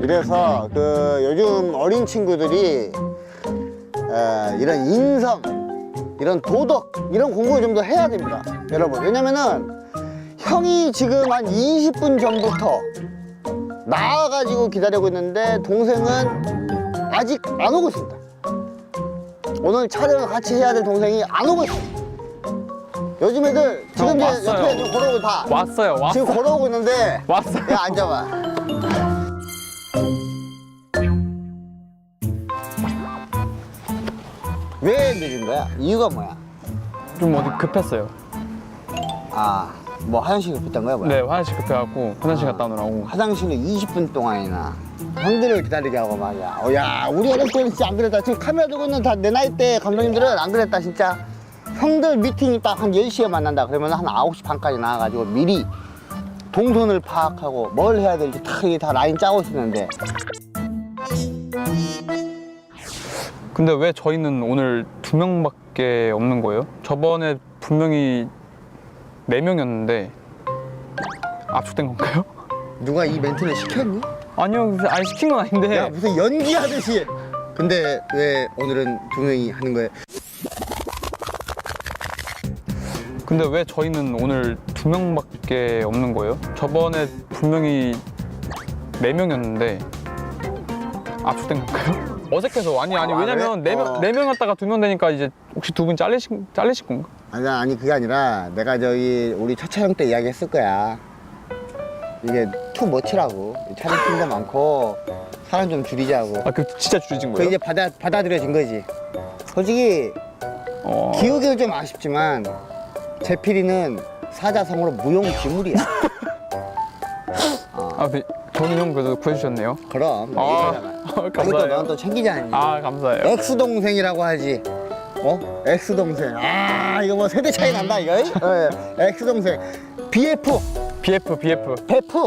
이래서 그 요즘 어린 친구들이 이런 인성, 이런 도덕, 이런 공부를 좀 더 해야 됩니다, 여러분. 왜냐면은 형이 지금 한 20분 전부터 나와가지고 기다리고 있는데 동생은 아직 안 오고 있습니다. 오늘 촬영을 같이 해야 될 동생이 안 오고 있습니다. 요즘 애들 지금 이제 옆에 좀 걸어오고 다 왔어요. 지금 걸어오고 있는데 왔어요. 야, 앉아봐. 왜 늦은 거야? 이유가 뭐야? 좀 어디 급했어요. 아, 뭐 화장실 급했던 거야, 뭐야? 네, 화장실 급해갖고 화장실 갔다 오느라고. 화장실을 20분 동안이나 형들을 기다리게 하고 말이야. 야, 우리 어렸을 때는 진짜 안 그랬다. 지금 카메라 들고 있는 다 내 나이 때 감독님들은 안 그랬다, 진짜. 형들 미팅이 딱 한 10시에 만난다. 그러면 한 9시 반까지 나와가지고 미리 동선을 파악하고 뭘 해야 될지 다 라인 짜고 있었는데. 근데 왜 저희는 오늘 2명밖에 없는 거예요? 저번에 분명히 4명이었는데 압축된 건가요? 누가 이 멘트를 시켰니? 아니요, 아니 시킨 건 아닌데. 야, 무슨 연기하듯이. 근데 왜 오늘은 2명이 하는 거예요? 근데 왜 저희는 오늘 2명밖에 없는 거예요? 저번에 분명히 4명이었는데 압축된 건가요? 어색해서. 아니 왜냐면 그래? 4명이었다가 2명 되니까 이제 혹시 2분 잘리신 건가? 아니 그게 아니라 내가 저기 우리 첫 촬영 때 이야기했을 거야. 이게 투 머치라고. 촬영팀도 많고 사람 좀 줄이자고. 아, 그 진짜 줄여진 그 거예요? 이제 받아들여진 거지. 솔직히 기우기는 좀 아쉽지만 제필이는 사자성어로 무용지물이야. 아, 네. 저는 형 그래도 구해주셨네요. 그럼 이거잖아. 이것도 감사해요. 넌 또 챙기지 않니? 아, 감사해요. 엑스동생이라고 하지. 어? 엑스동생. 아, 이거 뭐 세대 차이 난다 이거. 엑스동생. BF. BF. 베프.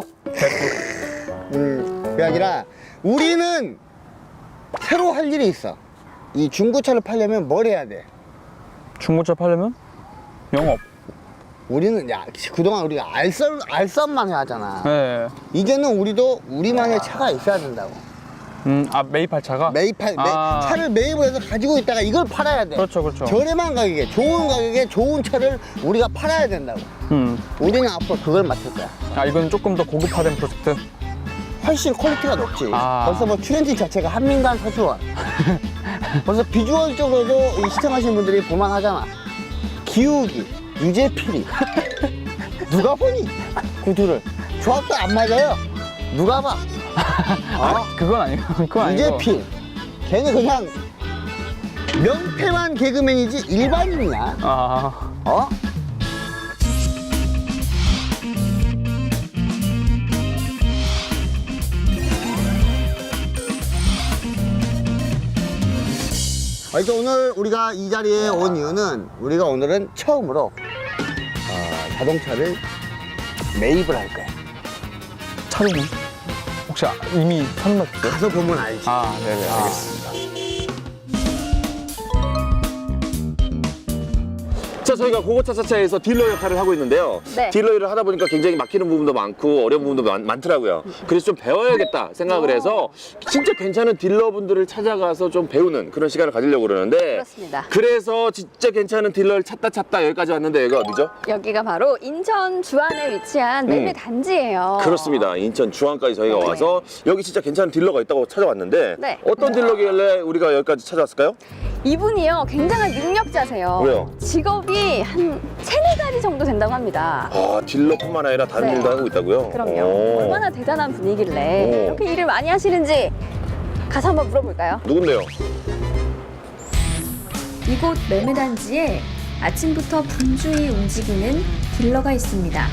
그게 아니라 우리는 새로 할 일이 있어. 이 중고차를 팔려면 뭘 해야 돼? 중고차 팔려면 영업. 우리는 그동안 우리가 알선만 해왔잖아. 네. 이제는 우리도 우리만의 차가 있어야 된다고. 매입할 차가? 차를 매입을 해서 가지고 있다가 이걸 팔아야 돼. 그렇죠. 저렴한 가격에 좋은 가격에 좋은 차를 우리가 팔아야 된다고. 우리는 앞으로 그걸 맡을 거야. 아, 이건 조금 더 고급화된 프로젝트? 훨씬 퀄리티가 높지. 아. 벌써 뭐 출연진 자체가 한민간 서주원. 벌써 비주얼적으로도 시청하시는 분들이 볼만하잖아. 기우기, 유재필이. 누가 보니? 구두를. 조합도 안 맞아요. 누가 봐. 그건 아니고. 그건 아니고. 유재필. 걔는 그냥 명패만 개그맨이지 일반인이야. 어? 그래서 오늘 우리가 이 자리에 온 이유는 우리가 오늘은 처음으로 자동차를 매입을 할 거야. 차종은? 혹시 이미 선택했어요? 가서 보면 알지. 아, 네네, 알겠습니다. 자, 저희가 고고차차차에서 딜러 역할을 하고 있는데요. 네. 딜러 일을 하다 보니까 굉장히 막히는 부분도 많고 어려운 부분도 많더라고요. 그래서 좀 배워야겠다 생각을 해서 진짜 괜찮은 딜러분들을 찾아가서 좀 배우는 그런 시간을 가지려고 그러는데, 그렇습니다. 그래서 진짜 괜찮은 딜러를 찾다 여기까지 왔는데 여기가 어디죠? 여기가 바로 인천 주안에 위치한 매매 단지예요. 그렇습니다. 인천 주안까지 저희가 네. 와서 여기 진짜 괜찮은 딜러가 있다고 찾아왔는데, 네. 어떤 딜러길래 우리가 여기까지 찾아왔을까요? 이분이요, 굉장한 능력자세요. 왜요? 직업이 한 3-4가지 정도 된다고 합니다. 아, 딜러뿐만 아니라 다른 네. 일도 하고 있다고요? 그럼요. 오. 얼마나 대단한 분이길래 오. 이렇게 일을 많이 하시는지 가서 한번 물어볼까요? 누군데요? 이곳 매매단지에 아침부터 분주히 움직이는 딜러가 있습니다.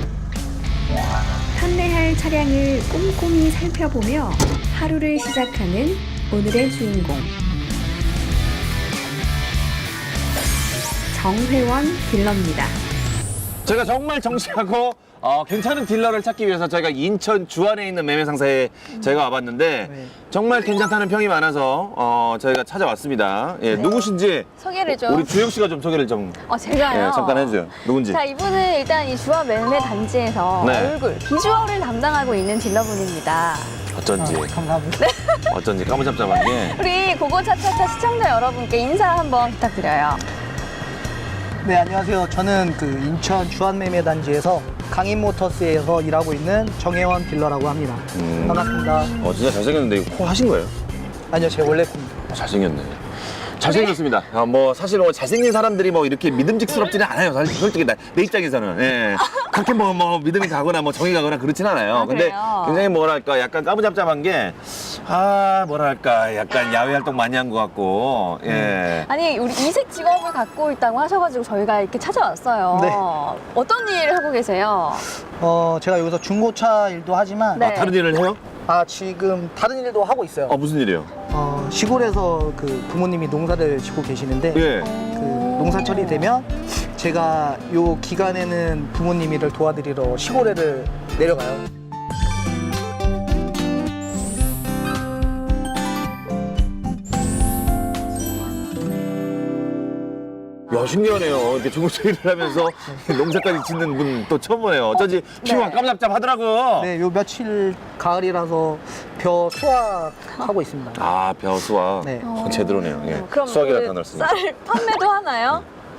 판매할 차량을 꼼꼼히 살펴보며 하루를 시작하는 오늘의 주인공 정회원 딜러입니다. 저희가 정말 정시하고 괜찮은 딜러를 찾기 위해서 저희가 인천 주안에 있는 매매상사에 저희가 와봤는데 정말 괜찮다는 평이 많아서 저희가 찾아왔습니다. 예, 누구신지 소개를 좀. 우리 주영 씨가 좀 소개를 좀 제가요? 예, 잠깐 해주세요. 누군지. 자, 이분은 일단 이 주안 매매 단지에서 네. 얼굴, 비주얼을 담당하고 있는 딜러분입니다. 어쩐지 감사합니다. 어쩐지 까무잡잡한 게. 우리 고고차차차 시청자 여러분께 인사 한번 부탁드려요. 네, 안녕하세요. 저는 그 인천 주한매매단지에서 강인모터스에서 일하고 있는 정혜원 딜러라고 합니다. 반갑습니다. 진짜 잘생겼는데 이거 코 하신 거예요? 아니요, 제 원래 꿈입니다. 잘생겼네. 잘생겼습니다. 뭐 사실 뭐 잘생긴 사람들이 뭐 이렇게 믿음직스럽지는 않아요. 사실 솔직히 내 입장에서는 예. 그렇게 뭐 믿음이 가거나 뭐 정이 가거나 그렇진 않아요. 아, 근데 그래요? 굉장히 뭐랄까 약간 까무잡잡한 게 뭐랄까 약간 야외 활동 많이 한 것 같고 예. 아니 우리 이색 직업을 갖고 있다고 하셔가지고 저희가 이렇게 찾아왔어요. 네. 어떤 일을 하고 계세요? 제가 여기서 중고차 일도 하지만 네. 다른 일을 해요? 지금 다른 일도 하고 있어요. 무슨 일이요? 시골에서 그 부모님이 농사를 짓고 계시는데 예. 그 농사철이 되면 제가 요 기간에는 부모님이를 도와드리러 시골에를 내려가요. 야 신기하네요. 이렇게 중고차 일을 하면서 농사까지 짓는 분 또 처음 보네요. 어쩐지 피부가 까무잡잡하더라고. 네, 요 며칠 가을이라서 벼 수확하고 있습니다. 벼 수확. 네. 제대로네요. 예. 그럼 수확이라 그 단어를 쓰니까. 쌀 판매도 하나요?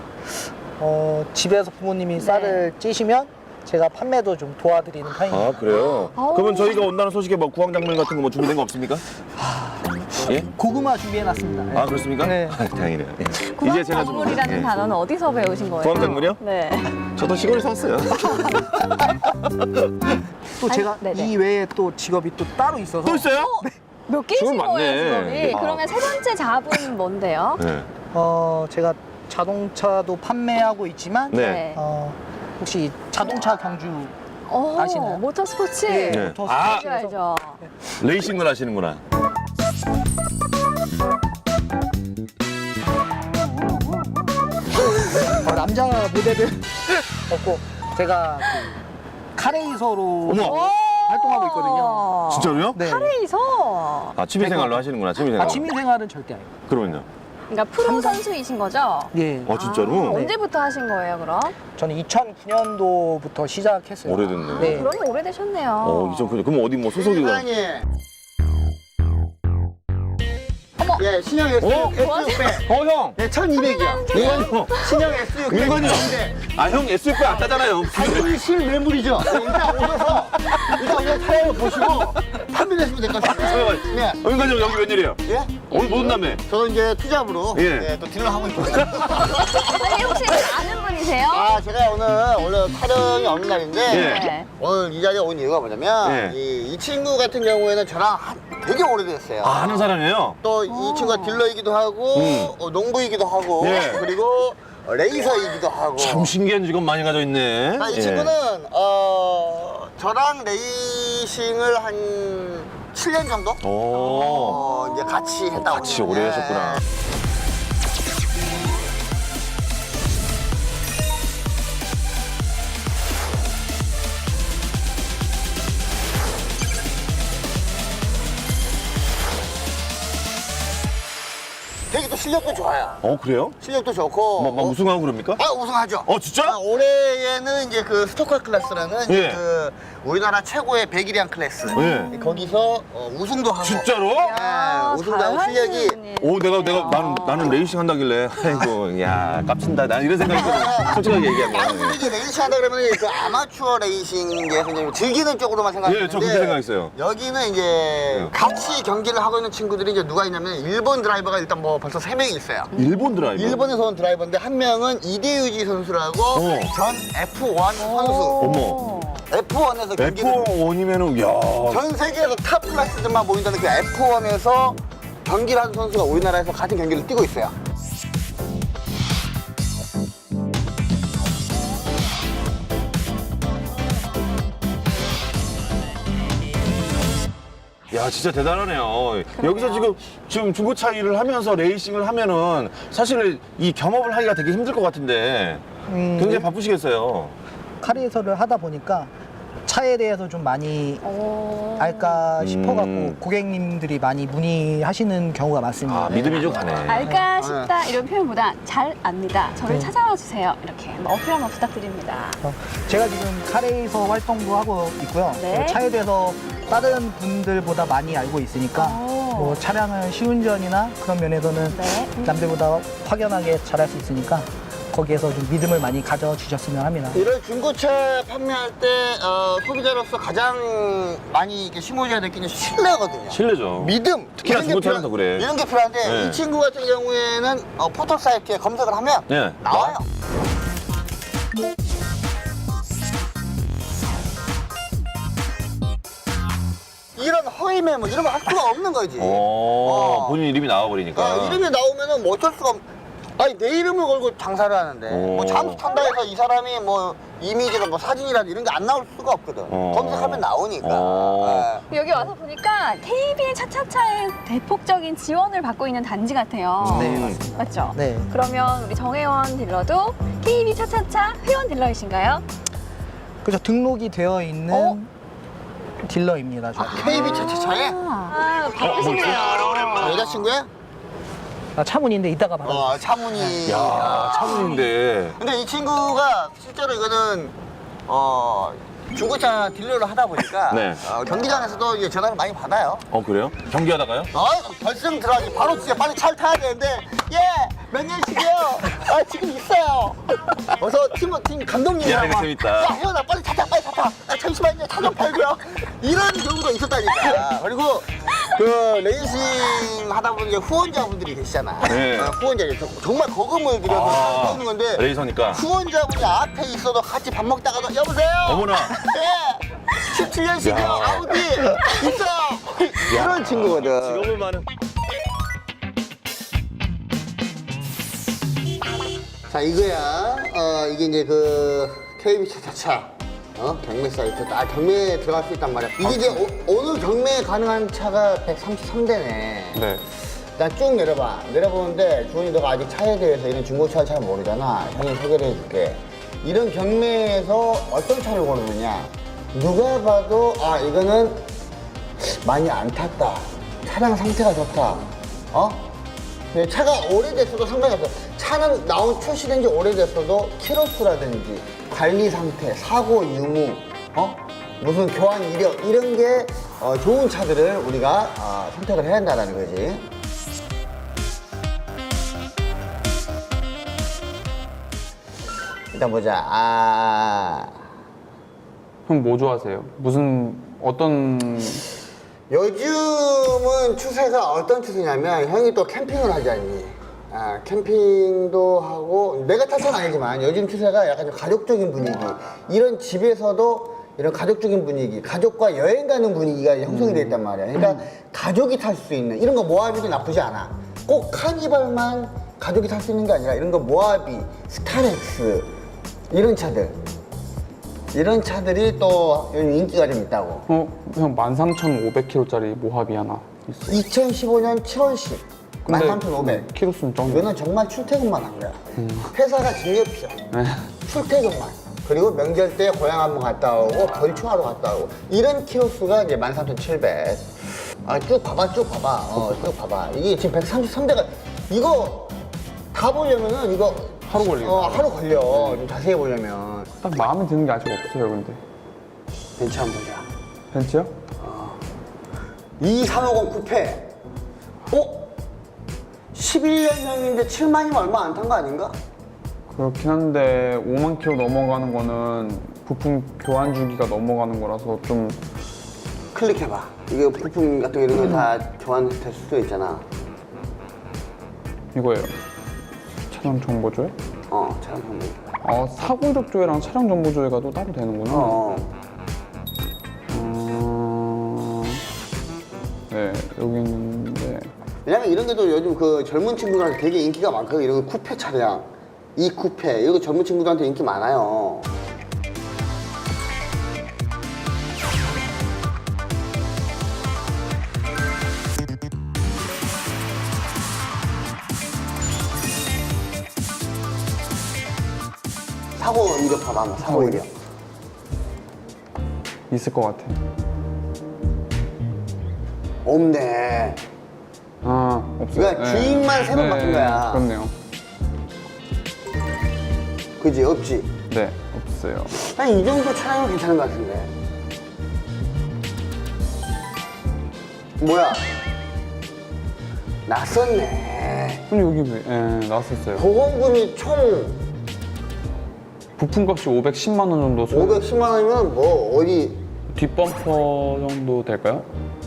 집에서 부모님이 쌀을 찌시면 제가 판매도 좀 도와드리는 편입니다. 그래요? 아우. 그러면 저희가 온다는 소식에 뭐 구황작물 같은 거 뭐 준비된 거 없습니까? 예? 고구마 준비해놨습니다. 네. 그렇습니까? 네. 다행이네요. 예. 구황작물이라는 단어는 어디서 배우신 거예요? 구황작물이요? 네. 저도 시골에서 왔어요. 또 제가 아니, 네네. 이 외에 또 직업이 또 따로 있어서 또 있어요? 몇 개신 직업 많네. 거예요, 직업이? 아. 그러면 세 번째 잡은 뭔데요? 네. 제가 자동차도 판매하고 있지만 네. 혹시 자동차 경주 아시나요? 모터스포츠? 네. 네. 알죠, 알죠. 레이싱을 하시는구나. 남자 모델을 없고 제가 그 카레이서로 어머! 활동하고 있거든요. 진짜로요? 네. 카레이서. 취미생활로 하시는구나, 취미생활. 취미생활은 절대 아니에요. 그러면요? 그러니까 프로 선수이신 거죠? 예. 진짜로? 네. 언제부터 하신 거예요, 그럼? 저는 2009년도부터 시작했어요. 오래됐네. 네. 그러면 오래되셨네요. 그럼 어디 뭐 소속이가? 어머. 예, 신형 S600. 형! 네, 1200이요. 이건요. 신형 S600. 이건요. 인데 형 S6 안 타잖아요. 당연히 실매물이죠. 일단 오셔서 차량을 보시고 판매하시면 될 것 같아요. 네. 은관이 여기 웬일이에요? 예? 오늘 못 온다며? 저는 이제 투잡으로 예. 네, 또 딜러 하고 있거든요. 아니, 혹시 아는 분이세요? 제가 오늘 원래 촬영이 없는 날인데 예. 네. 오늘 이 자리에 온 이유가 뭐냐면 예. 이 친구 같은 경우에는 저랑 되게 오래됐어요. 아는 사람이에요? 또 이 친구가 딜러이기도 하고 농부이기도 하고 예. 그리고 레이서이기도 하고 참 신기한 직업 많이 가져 있네. 이 친구는 저랑 레이싱을 한 7년 정도 이제 같이 했다고 같이 오래 하셨구나. 되게 또 실력도 좋아요. 그래요? 실력도 좋고 막 우승하고 그럽니까? 우승하죠. 진짜? 올해에는 이제 그 스토커 클래스라는 예. 그 우리나라 최고의 백일량 클래스 예. 거기서 우승도 하고 진짜로? 우승도 하고 실력이 나는 레이싱 한다길래 아이고 야 깝친다 난 이런 생각했거든. 솔직하게 얘기하면. 다른 분들이 레이싱 한다 그러면 그 아마추어 레이싱에서 이제 즐기는 쪽으로만 생각하는데 예, 저 그렇게 생각했어요. 여기는 이제 같이 경기를 하고 있는 친구들이 이제 누가 있냐면 일본 드라이버가 일단 뭐 벌써 3명이 있어요. 일본 드라이버. 일본에서 온 드라이버인데 한 명은 이대유지 선수라고 전 F1 선수. 어머. F1에서 경기를 F1이면은 야. 전 세계에서 탑 클래스들만 모인다는 그 F1에서 경기를 하는 선수가 우리나라에서 같은 경기를 뛰고 있어요. 야 진짜 대단하네요. 여기서 지금 중고차 일을 하면서 레이싱을 하면은 사실 이 겸업을 하기가 되게 힘들 것 같은데 굉장히 바쁘시겠어요. 카레이서를 하다 보니까 차에 대해서 좀 많이 알까 싶어갖고 고객님들이 많이 문의하시는 경우가 많습니다. 믿음이 좀 가네. 알까 싶다 이런 표현보다 잘 압니다. 저를 찾아와 주세요. 이렇게 어필 한번 부탁드립니다. 제가 지금 카레이서 활동도 하고 있고요. 네. 차에 대해서 다른 분들보다 많이 알고 있으니까 뭐 차량을 시운전이나 그런 면에서는 네. 남들보다 확연하게 잘할 수 있으니까 거기에서 좀 믿음을 많이 가져주셨으면 합니다. 이런 중고차 판매할 때 소비자로서 가장 많이 이렇게 심어줘야 될 게 신뢰거든요. 실례죠. 믿음. 특히나 이런 게 중고차는 필요- 더 그래. 이런 게 필요한데 네. 이 친구 같은 경우에는 포털 사이트에 검색을 하면 네. 나와요. 이런 허위 매물 이런 거 할 수가 없는 거지. 본인 이름이 나와버리니까. 이름이 나오면은 뭐 어쩔 수가 없. 아니 내 이름을 걸고 장사를 하는데 뭐 잠수 탄다 해서 이 사람이 뭐 이미지나 뭐 사진이라도 이런 게 안 나올 수가 없거든. 검색하면 나오니까. 예. 여기 와서 보니까 KB 차차차의 대폭적인 지원을 받고 있는 단지 같아요. 네, 맞습니다. 맞죠? 네. 그러면 우리 정혜원 딜러도 KB 차차차 회원 딜러이신가요? 그래서 등록이 되어 있는 딜러입니다. 저희. KB 차차차에 바쁘시네요. 여자친구야? 차문인데 이따가 받아. 차문이. 야, 차문인데. 근데 이 친구가 실제로 이거는 중고차 딜러를 하다 보니까 네. 경기장에서도 이제 전화를 많이 받아요. 그래요? 경기하다가요? 결승 들어가기 바로 진짜 빨리 차를 타야 되는데 몇 년씩이요? 지금 있어요. 어서 팀 감독님이랑 야, 이거 재밌다. 야 혜연아 빨리 차 타. 잠시만요 차 좀 팔고요. 이런 경우가 있었다니까. 그리고 그 레이싱 하다 보면 이제 후원자분들이 계시잖아. 네. 후원자 정말 거금을 들여서 하는 건데 레이서니까. 후원자분이 앞에 있어도 같이 밥 먹다가도 여보세요. 어머나. 네. 17년식이요 아우디 있어. 이런 친구거든. 직업을 많은. 자 이거야. 이게 이제 그 KB 차차차 경매 사이트. 경매에 들어갈 수 있단 말이야. 이게 이제 오늘 경매에 가능한 차가 133대네. 네. 나 쭉 내려봐. 내려보는데 주원이 너가 아직 차에 대해서 이런 중고차를 잘 모르잖아. 형이 소개를 해줄게. 이런 경매에서 어떤 차를 고르느냐. 누가 봐도 이거는 많이 안 탔다. 차량 상태가 좋다. 근데 차가 오래됐어도 상관이 없어. 차는 출시된 지 오래됐어도 키로수라든지 관리 상태, 사고 유무, 무슨 교환 이력 이런 게 좋은 차들을 우리가 선택을 해야 한다는 거지. 일단 보자. 형 뭐 좋아하세요? 어떤 요즘은 추세가 어떤 추세냐면 형이 또 캠핑을 하지 않니? 캠핑도 하고 내가 탓은 아니지만 요즘 추세가 약간 좀 가족적인 분위기. 이런 집에서도 이런 가족적인 분위기, 가족과 여행 가는 분위기가 형성이 돼 있단 말이야. 그러니까 가족이 탈 수 있는 이런 거 모하비도 나쁘지 않아. 꼭 카니발만 가족이 탈 수 있는 게 아니라 이런 거 모하비, 스타렉스 이런 차들. 이런 차들이 또 요즘 인기가 좀 있다고. 형 13,500km짜리 모하비 하나 있어. 2015년 7월식 13,500. 키로수는 좀. 이거는 정말 출퇴근만 한 거야. 회사가 직업이야. 출퇴근만. 그리고 명절 때 고향 한번 갔다 오고 벌초하러 갔다 오고 이런 키로수가 이제 13,700. 쭉 봐봐. 쭉 봐봐. 이게 지금 133대가 이거 다 보려면은 이거 하루 걸리겠다. 하루 걸려. 좀 자세히 보려면. 딱 마음에 드는 게 아직 없어요, 근데. 벤츠 한번 보자. 벤츠요? 2350 쿠페. 11년형인데 7만이면 얼마 안 탄 거 아닌가? 그렇긴 한데 5만 킬로 넘어가는 거는 부품 교환 주기가 넘어가는 거라서 좀 클릭해봐. 이게 부품 같은 거 이런 거 다 교환될 수도 있잖아. 이거예요. 차량 정보 조회? 차량 정보. 사고 이력 조회랑 차량 정보 조회가 또 따로 되는구나. 네, 여기 있는데 왜냐면 이런 게도 요즘 그 젊은 친구들한테 되게 인기가 많거든. 이런 거 쿠페 차량. 이 쿠페. 이런 거 젊은 친구들한테 인기 많아요. 사고 이력 봐봐. 한번 사고 이력. 있을 것 같아. 없네. 없어요. 그러니까 주인만 세 번 바꾼 거야. 그렇네요. 그지? 없지? 네, 없어요. 한 이 정도 차량은 괜찮은 것 같은데. 뭐야? 낯섰네. 근데 여기 왜? 예, 나왔었어요. 보험금이 총 부품값이 510만 원 정도. 510만 원이면 뭐 어디 뒷범퍼 정도 될까요?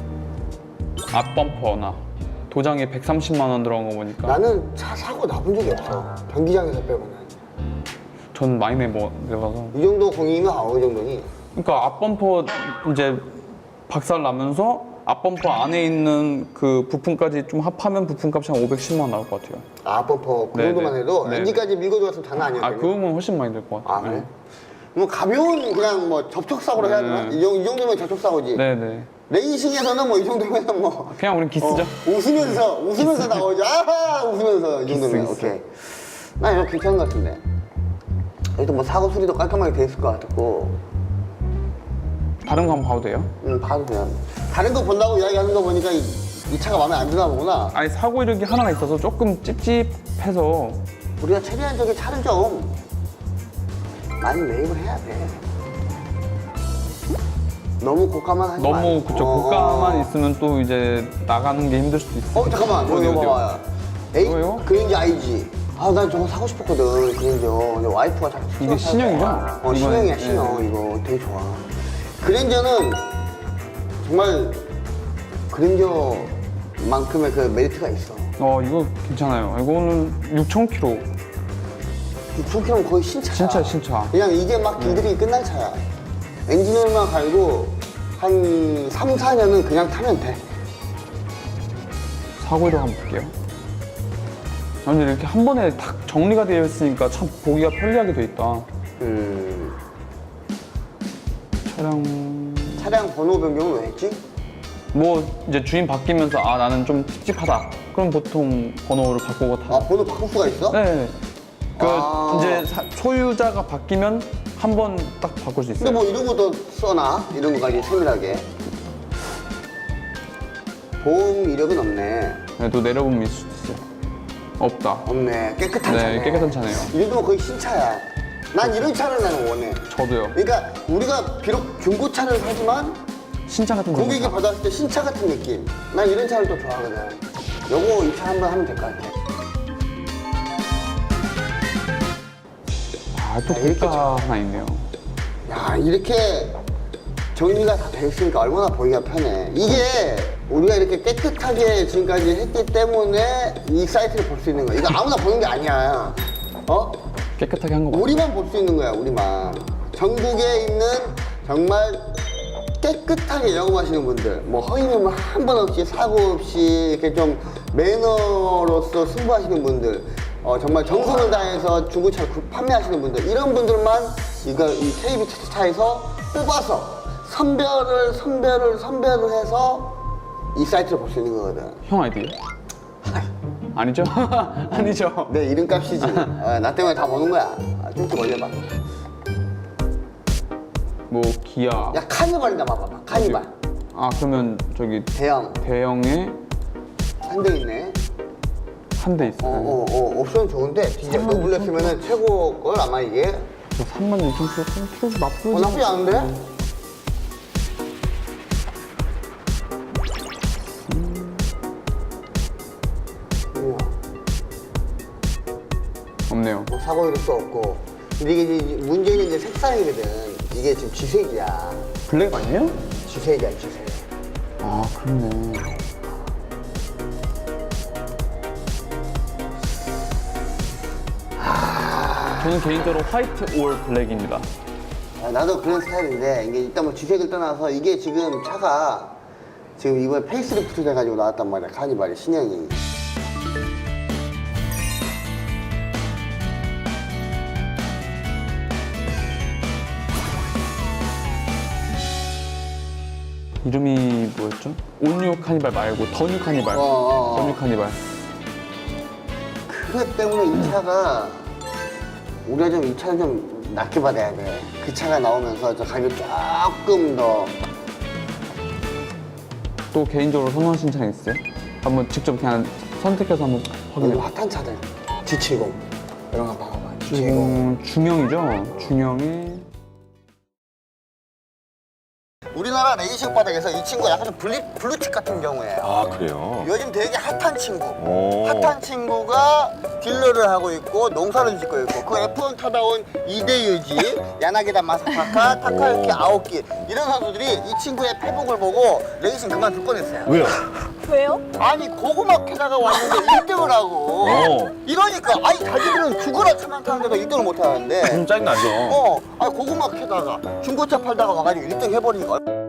앞범퍼나 도장에 130만 원 들어간 거 보니까 나는 차 사고 나본 적이 없어. 변기장에서 빼고는. 전 많이 내봐서. 이 정도 공이면 어느 정도니? 그러니까 앞범퍼 이제 박살 나면서 앞범퍼 안에 있는 그 부품까지 좀 합하면 부품값이 한 510만 원 나올 것 같아요. 아, 범퍼 그 네네. 정도만 해도 네네. 엔진까지 밀고 들어갔으면 장난 아 아니었겠네. 그거면 훨씬 많이 들 것 같아요. 아, 그래? 뭐 가벼운 그냥 뭐 접촉사고로 해야 되나? 이 정도면 접촉사고지. 네네. 레이싱에서는 뭐 이 정도면 뭐 그냥 우린 기스죠. 웃으면서 나오죠. 아하 웃으면서 이 정도면 기스. 오케이. 나 이거 괜찮은 것 같은데. 여기도 뭐 사고 수리도 깔끔하게 돼 있을 것 같고. 다른 거 한번 봐도 돼요? 봐도 그냥 다른 거 본다고 이야기하는 거 보니까 이 차가 마음에 안 드나 보구나. 아니 사고 이력이 하나가 있어서 조금 찝찝해서. 우리가 최대한 저기 차를 좀 많이 매입을 해야 돼. 너무 고가만 하지 말고. 너무 그쵸 고가만 있으면 또 이제 나가는 게 힘들 수도 있어요. 잠깐만 어디, 이거 어디요? 봐봐요. 에이 이거요? 그랜저 IG. 아 난 저거 사고 싶었거든 그랜저. 근데 와이프가 자꾸 이게 신형이죠? 신형이야 이거는, 신형. 이거 되게 좋아. 그랜저는 정말 그랜저만큼의 그 메리트가 있어. 이거 괜찮아요. 이거는 6,000km. 6,000km면 거의 신차야. 신차. 그냥 이제 막 길들이 끝난 차야. 엔진오일만 갈고 한 3, 4년은 그냥 타면 돼. 사고 이력 한번 볼게요. 아니 이렇게 한 번에 딱 정리가 되어 있으니까 참 보기가 편리하게 돼 있다. 차량 번호 변경은 왜 했지? 뭐 이제 주인 바뀌면서 아 나는 좀 찝찝하다. 그럼 보통 번호를 바꾸고 타. 아 번호 바꿀 수가 있어? 네. 그 아. 이제 소유자가 바뀌면 한 번 딱 바꿀 수 근데 있어요. 뭐 이런 것도 써놔? 이런 거까지 세밀하게. 보험 이력은 없네. 네, 또 내려보면 있을 수도 있어요. 없다. 없네. 깨끗한 차네. 네, 깨끗한 차네요. 이 정도면 거의 신차야. 난 이런 차를 나는 원해. 저도요. 그러니까 우리가 비록 중고차를 사지만 신차 같은 거. 고객이 받았을 때 신차 같은 느낌. 난 이런 차를 또 좋아하거든. 요거 이 차 한번 하면 될 것 같아. 또 이렇게 고가 하나 있네요. 야 이렇게 정리가 다 돼 있으니까 얼마나 보기가 편해. 이게 우리가 이렇게 깨끗하게 지금까지 했기 때문에 이 사이트를 볼 수 있는 거야. 이거 아무나 보는 게 아니야. 깨끗하게 한 거 맞아요. 우리만 볼 수 있는 거야, 우리만. 전국에 있는 정말 깨끗하게 영업하시는 분들, 뭐 허위면 한 번 없이 사고 없이 이렇게 좀 매너로서 승부하시는 분들, 정말 정성을 다해서 중고차를 판매하시는 분들, 이런 분들만 이 KB 차차차에서 뽑아서 선별을 해서 이 사이트를 볼 수 있는 거거든. 형 아이디요? 아니죠? 아니죠. 내 이름값이지. 나 때문에 다 보는 거야. 쭉쭉 올려봐. 뭐 기아. 야 카니발이나 봐봐. 카니발. 아 그러면 저기 대형. 대형에 한 대 있네. 한 대 있어요. 옵션 좋은데 디젤 노블레스면은 최고 걸 아마 이게. 36,000km 나쁘지. 나쁘지 않은데? 없네요. 뭐 사고 이력도 없고. 근데 이게 이제 문제는 이제 색상이거든. 이게 지금 쥐색이야. 블랙 아니에요? 쥐색이야, 쥐색. 아 그렇네. 저는 개인적으로 화이트 올 블랙입니다. 나도 그런 스타일인데 이게 일단 뭐 쥐색을 떠나서 이게 지금 차가 지금 이번에 페이스리프트 돼가지고 나왔단 말이야. 카니발이 신형이. 이름이 뭐였죠? 온뉴 카니발 말고 더뉴 카니발. 더뉴 카니발. 그것 때문에 이 차가 우리가 좀 이 차를 좀 낮게 받아야 돼. 그 차가 나오면서 저 가격 조금 더. 또 개인적으로 선호하시는 차량 있어요? 한번 직접 그냥 선택해서 한번 확인해 요즘 봐. 핫한 차들 G70 이런 거 봐봐. G70. 중형이죠? 중형이 우리나라 우리나라 레이싱 바닥에서 이 친구가 약간 좀 블루칩 같은 경우예요. 아, 그래요? 요즘 되게 핫한 친구. 오. 핫한 친구가 딜러를 하고 있고 농사를 짓고 있고 그 F1 타다 온 이대유지, 야나기다 마사카카, 타카유키 아오키 이런 선수들이 이 친구의 페북을 보고 레이싱 그만둘 뻔했어요. 왜요? 왜요? 아니 고구마 캐다가 왔는데 1등을 하고 오. 이러니까 아니 자기들은 죽어라 차만 타는데도 1등을 못 하는데 좀 짜증나죠? 아니 고구마 캐다가 중고차 팔다가 와가지고 1등 해버리니까